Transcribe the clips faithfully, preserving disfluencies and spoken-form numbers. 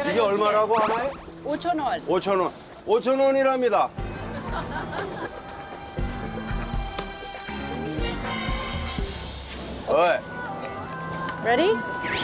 이게 얼마라고 하나요? 오천 원. 오천 원. 오천 원이랍니다. 어이. Ready?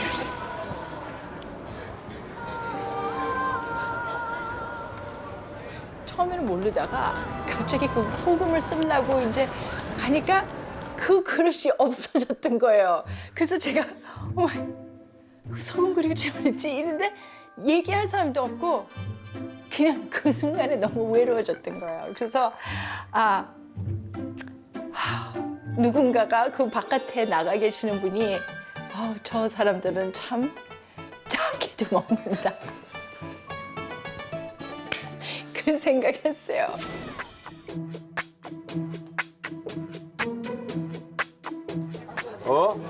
처음에는 모르다가 갑자기 그 소금을 쓰려고 이제 가니까 그 그릇이 없어졌던 거예요. 그래서 제가 어머, 그 소금 그릇이 어딨지? 이런데 얘기할 사람도 없고 그냥 그 순간에 너무 외로워졌던 거예요. 그래서 아 하, 누군가가 그 바깥에 나가 계시는 분이 어, 저 사람들은 참 작게도 먹는다. 그 생각했어요. 어?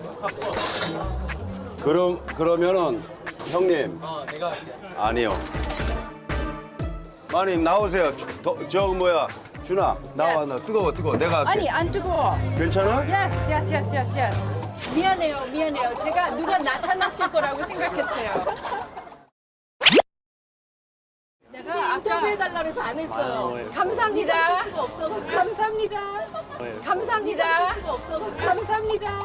그럼 그러면은 형님. 어, 내가 할게. 아니요. 마님 나오세요. 저, 저 뭐야 준아 나와. 나 뜨거워 뜨거워. 내가 할게. 아니 안 뜨거워. 괜찮아? Yes, yes, yes, yes, yes. 미안해요, 미안해요. 제가 누가 나타나실 거라고 생각했어요. 내가 아까 해달라 그래서 안 했어요. 감사합니다. 수가 없어. 감사합니다. 감사합니다. 수가 없어. 감사합니다.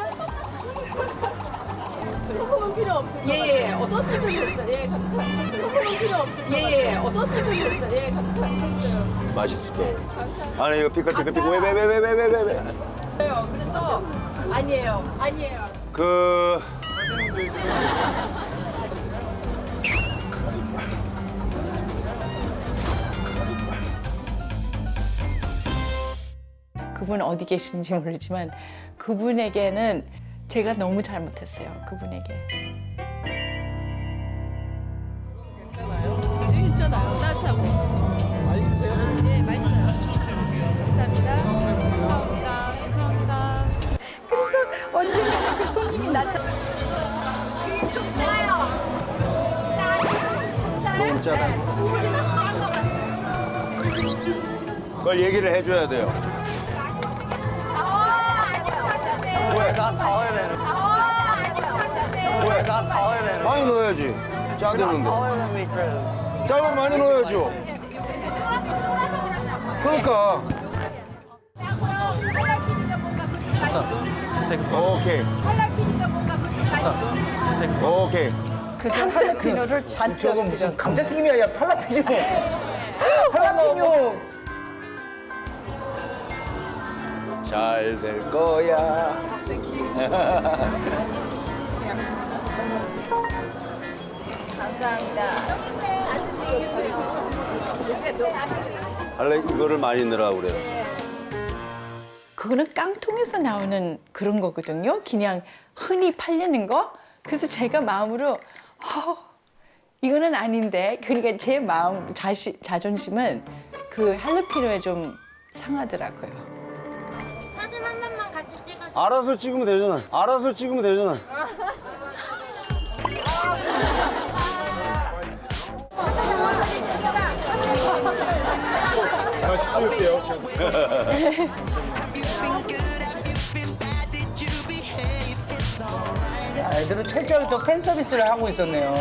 소금은 필요 없어요. 예, 예. 어, 소스도 됐어요. 예, 감사합니다. 소금은 필요 없어요. 예, 예. 어, 소스도 됐어요. 예, 감사합니다. 맛있을 거야. 감사합니다. 아니 이거 피클 피클 피클 왜왜 왜 왜 왜 왜 왜? 그래서 아니에요, 아니에요. 그 그분 어디 계신지 모르지만 그분에게는 제가 너무 잘못했어요. 그분에게. 괜찮아요. 따뜻하고. 맛있으세요? 예, 맛있어요. 감사합니다. 감사합니다. 감사합니다. 그래서 언젠가 이렇게 손님이 나타나. 좀 짜요. 짜요? 너무 짜다. 그걸 얘기를 해줘야 돼요. 왜? 왜? 많이 넣어야지. 짜대는데. 짜면 많이 넣어야죠. 그러니까. 오케이. 오케이. 그래서 할라피노를 잔뜩 저건 무슨 드렸어요. 감자튀김이 아니라 팔라피뇨. 팔라피뇨. 잘 될 거야. 원래 이거를 많이 넣으라고 그래요. 그거는 깡통에서 나오는 그런 거거든요. 그냥 흔히 팔리는 거. 그래서 제가 마음으로 어, 이거는 아닌데. 그러니까 제 마음 자시, 자존심은 그 할라피노에 좀 상하더라고요. 사진 한 번만 같이 찍어줘. 알아서 찍으면 되잖아. 알아서 찍으면 되잖아. 다시 찍을게요. 애들은 철저하게 또 팬 서비스를 하고 있었네요.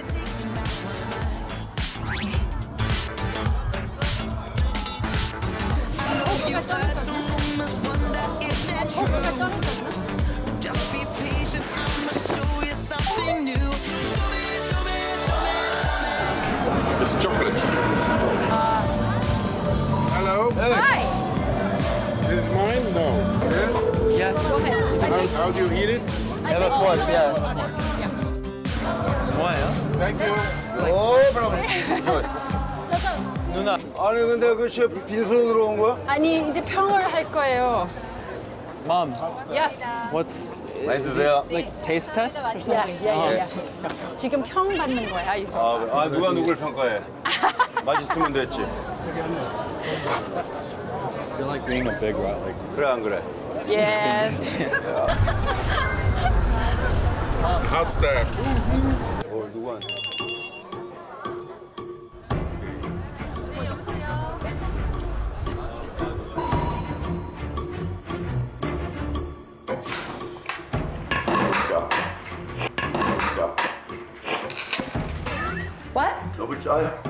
It's chocolate. Hello. Hi. This is mine? No. Yes? Yeah. Go ahead. How, how do you eat it? Have a fork, yeah. 뭐예요? Thank you. 오, 브라보. 누나. 아니 근데 그 셰프 빈손으로 온 거야? 아니 이제 평을 할 거예요. Mom, Yes. what's 많이 드세요. like taste test or 야, something? 야, 야, 야. 지금 평 받는 거야 이 소. 아, 그래. 아 누가 누굴 평가해? 맛있으면 됐지. I feel like being a big rat. Like 그래 안 그래? Yes. Hot staff. 어 누구한테? What? 너무 짜요.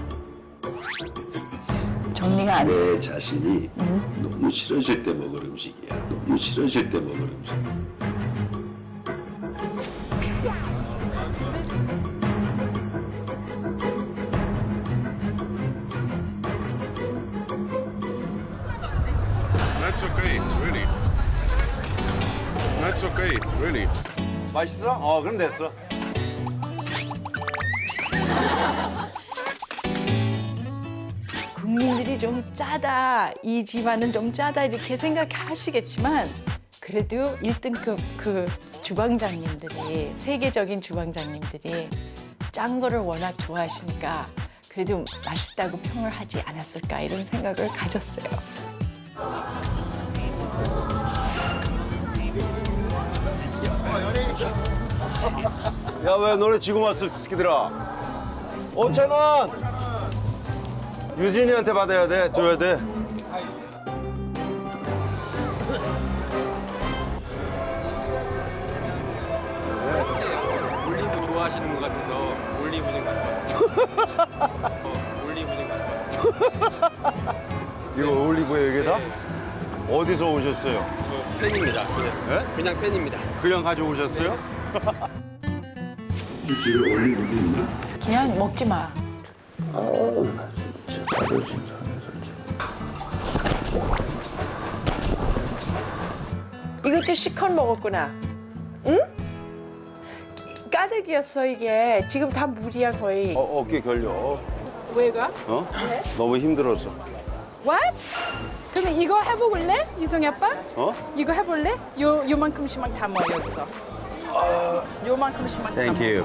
정리가 안 돼. 내 자신이 너무 싫어질 때 먹을 음식이야. 너무 싫어질 때 먹을 음식. That's okay, really. That's okay, really. 맛있어? 어, 그럼 됐어. 국민들이 좀 짜다, 이 집안은 좀 짜다 이렇게 생각하시겠지만 그래도 일 등급 그 주방장님들이 세계적인 주방장님들이 짠 거를 워낙 좋아하시니까 그래도 맛있다고 평을 하지 않았을까 이런 생각을 가졌어요. 야, 왜 너네 지금 왔어, 새끼들아? 오천 원! 유진이한테 받아야 돼, 줘야 돼. 올리브 좋아하시는 것 같아서 올리브 좀 갖고 왔어요. 어, 올리브 좀 갖고 왔어요. 이거 올리브예요, 이게 다? 어디서 오셨어요? 저 팬입니다. 그냥, 네? 그냥 팬입니다. 그냥 가져오셨어요? 집에 올리브도 있나? 그냥 먹지 마. 아우, 진짜 자존심 상해, 솔직히. 이것도 시컷 먹었구나. 응? 까닭이었어 이게. 지금 다 물이야 거의. 어, 어깨 결려. 왜가? 어? 너무 힘들었어. What? 그럼 이거 해볼래? 이성이 아빠? 어? 이거 해볼래? 요, 요만큼씩만 담아 여기서. 요만큼씩만 담아. 땡큐.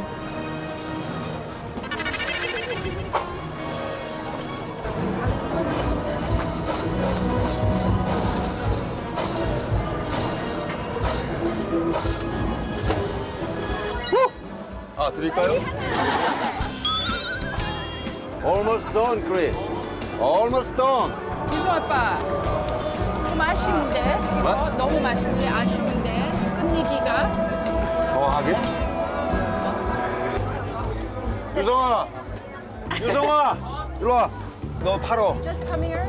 아, 드릴까요? Almost done, Chris. Almost done. 이성 아빠 좀 아쉬운데 이거 뭐? 너무 맛있는데 아쉬운데 끝내기가. 더 하게? 유성아! 유성아! 일로 와. 너 팔어. Just come here.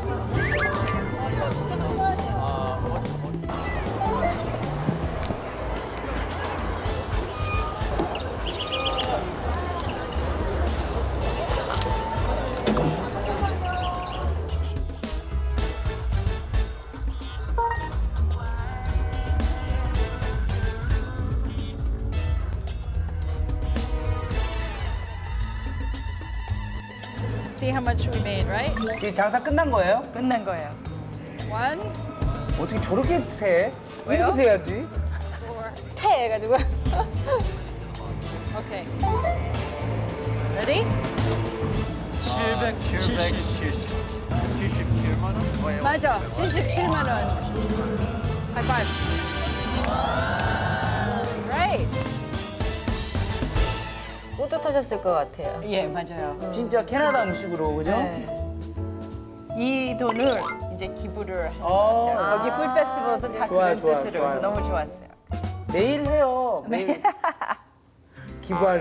See how much we made, right? 지금 장사 끝난 거예요? 끝난 거예요. One, 어떻게 저렇게 세? 왜요? 이렇게 세야지. 태 해가지고. 오케이. Ready? 칠백칠십칠만 원? 맞아. 칠십칠만 원. 하이파이브. Right. 뿌듯하셨을 것 같아요. 예, 맞아요. 진짜 캐나다 음식으로, 그죠? 네. 이 돈을 이제 기부를 어. 해놨어요. 여기 푸드 페스티벌에서 다 좋아요, 그런 좋아요, 뜻으로 해서 좋아요. 너무 좋았어요. 매일 해요. 매일. 기부할.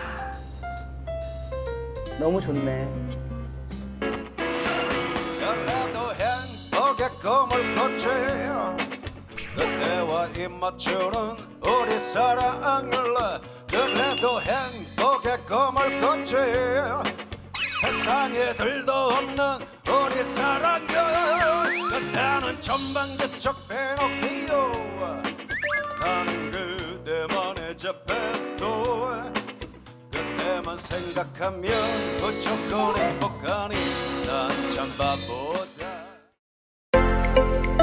너무 좋네. 그래도 행복의 꿈을 꿨지. 그때와 입맞추는 우리 사랑을. 그래도 행복의 꿈을 꿨지. 세상에 들도 없는 우리 사랑을. 그때는 전방지적 페노키오. 나는 그대만의 제페토. 그때만 생각하면 무조건 행복하니 난 참 바보다.